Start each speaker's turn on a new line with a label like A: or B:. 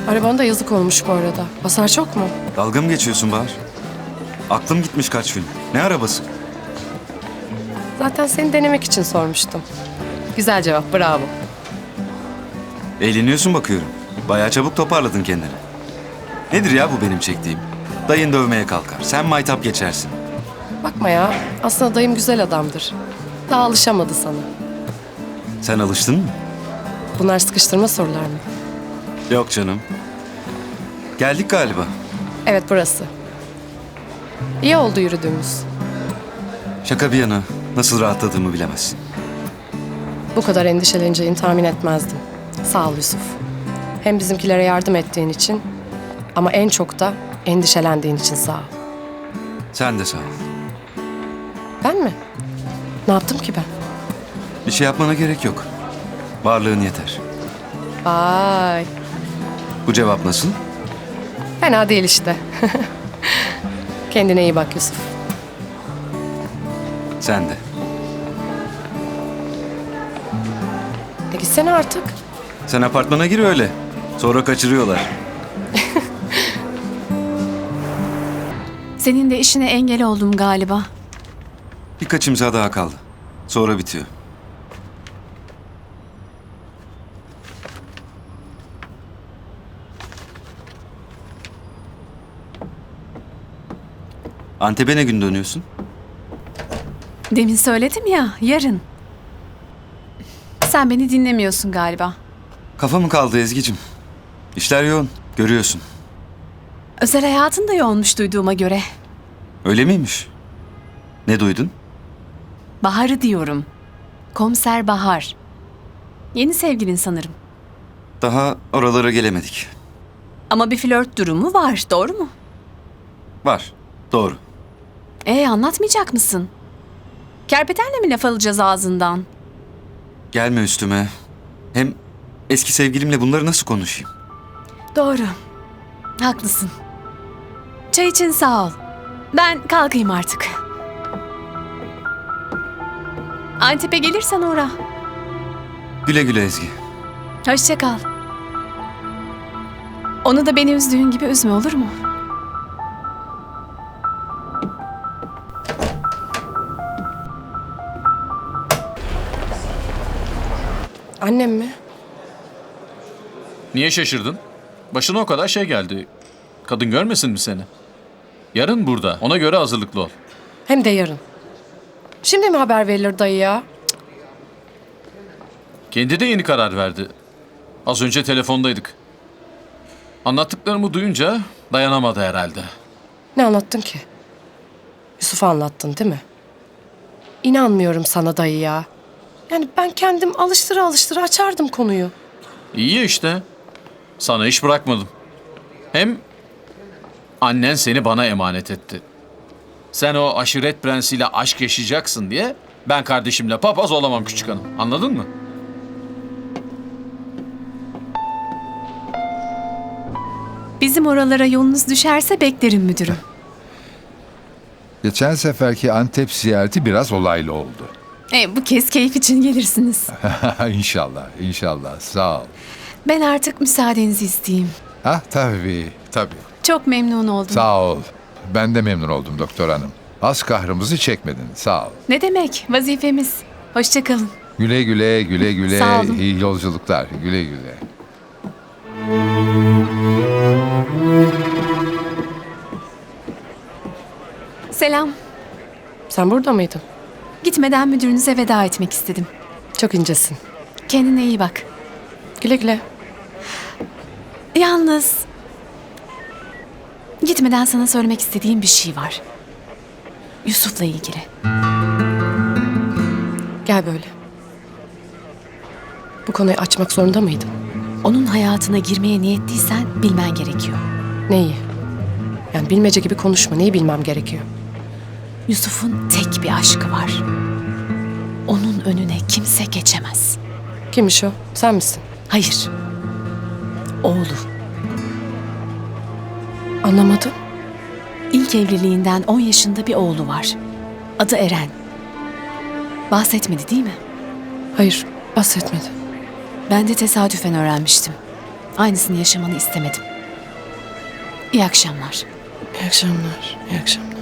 A: Arabana da yazık olmuş bu arada. Hasar çok mu?
B: Dalga mı geçiyorsun Bahar? Aklım gitmiş kaç gün. Ne arabası?
A: Zaten seni denemek için sormuştum. Güzel cevap, bravo.
B: Eğleniyorsun bakıyorum. Bayağı çabuk toparladın kendini. Nedir ya bu benim çektiğim? Dayın dövmeye kalkar. Sen maytap geçersin.
A: Bakma ya, aslında dayım güzel adamdır. Daha alışamadı sana.
B: Sen alıştın mı?
A: Bunlar sıkıştırma sorular mı?
B: Yok canım. Geldik galiba.
A: Evet, burası. İyi oldu yürüdüğümüz.
B: Şaka bir yana nasıl rahatladığımı bilemezsin.
A: Bu kadar endişeleneceğini tahmin etmezdim. Sağ ol Yusuf. Hem bizimkilere yardım ettiğin için ama en çok da endişelendiğin için sağ ol.
B: Sen de sağ ol.
A: Ben mi? Ne yaptım ki ben?
B: Bir şey yapmana gerek yok. Varlığın yeter.
A: Vay,
B: Bu cevap nasıl?
A: fena değil işte. Kendine iyi bak Yusuf.
B: Sen de.
A: Gitsene artık.
B: Sen apartmana gir öyle. Sonra kaçırıyorlar.
C: Senin de işine engel oldum galiba.
B: Birkaç imza daha kaldı. Sonra bitiyor. Antep'e ne gün dönüyorsun?
C: Demin söyledim ya, yarın. Sen beni dinlemiyorsun galiba.
B: Kafa mı kaldı Ezgi'cim? İşler yoğun, görüyorsun.
C: Özel hayatın da yoğunmuş duyduğuma göre.
B: Öyle miymiş? Ne duydun?
C: Bahar'ı diyorum. Komiser Bahar. Yeni sevgilin sanırım.
B: Daha oralara gelemedik.
C: Ama bir flört durumu var, doğru mu?
B: Var, doğru.
C: Anlatmayacak mısın? Kerpetenle mi laf alacağız ağzından?
B: Gelme üstüme. Hem eski sevgilimle bunları nasıl konuşayım?
C: Doğru. Haklısın. Çay için sağ ol. Ben kalkayım artık. Antep'e gelirsen uğra.
B: Güle güle Ezgi.
C: Hoşça kal. Onu da beni üzdüğün gibi üzme, olur mu?
A: Annem mi?
D: Niye şaşırdın? Başına o kadar şey geldi. Kadın görmesin mi seni? Yarın burada. Ona göre hazırlıklı ol.
A: Hem de yarın. Şimdi mi haber verilir dayı ya?
D: Kendi de yeni karar verdi. Az önce telefondaydık. Anlattıklarımı duyunca dayanamadı herhalde.
A: Ne anlattın ki? Yusuf'a anlattın değil mi? İnanmıyorum sana dayı ya. Yani ben kendim alıştıra alıştıra açardım konuyu.
D: İyi ya işte. Sana iş bırakmadım. Hem annen seni bana emanet etti. Sen o aşiret prensiyle aşk yaşayacaksın diye ben kardeşimle papaz olamam küçük hanım. Anladın mı?
C: Bizim oralara yolunuz düşerse beklerim müdürüm.
E: Geçen seferki Antep ziyareti biraz olaylı oldu.
C: Bu kez keyif için gelirsiniz.
E: İnşallah, inşallah. Sağ ol.
C: Ben artık müsaadenizi isteyeyim.
E: Tabii, tabii.
C: Çok memnun oldum.
E: Sağ ol. Ben de memnun oldum doktor hanım. Az kahrımızı çekmedin. Sağ ol.
C: Ne demek? Vazifemiz. Hoşça kalın.
E: Güle güle, güle güle.
C: Sağ olun.
E: İyi yolculuklar. Güle güle.
C: Selam.
A: Sen burada mıydın?
C: Gitmeden müdürünüze veda etmek istedim.
A: Çok incesin.
C: Kendine iyi bak.
A: Güle güle.
C: Yalnız gitmeden sana söylemek istediğim bir şey var. Yusuf'la ilgili.
A: Gel böyle. Bu konuyu açmak zorunda mıydın?
C: Onun hayatına girmeye niyetliysen bilmen gerekiyor.
A: Neyi? Yani bilmece gibi konuşma. Neyi bilmem gerekiyor?
C: Yusuf'un tek bir aşkı var. Onun önüne kimse geçemez.
A: Kimmiş o? Sen misin?
C: Hayır. Oğlu.
A: Anlamadım.
C: İlk evliliğinden 10 yaşında bir oğlu var. Adı Eren. Bahsetmedi değil mi?
A: Hayır, bahsetmedi.
C: Ben de tesadüfen öğrenmiştim. Aynısını yaşamanı istemedim. İyi akşamlar.
A: İyi akşamlar. İyi akşamlar.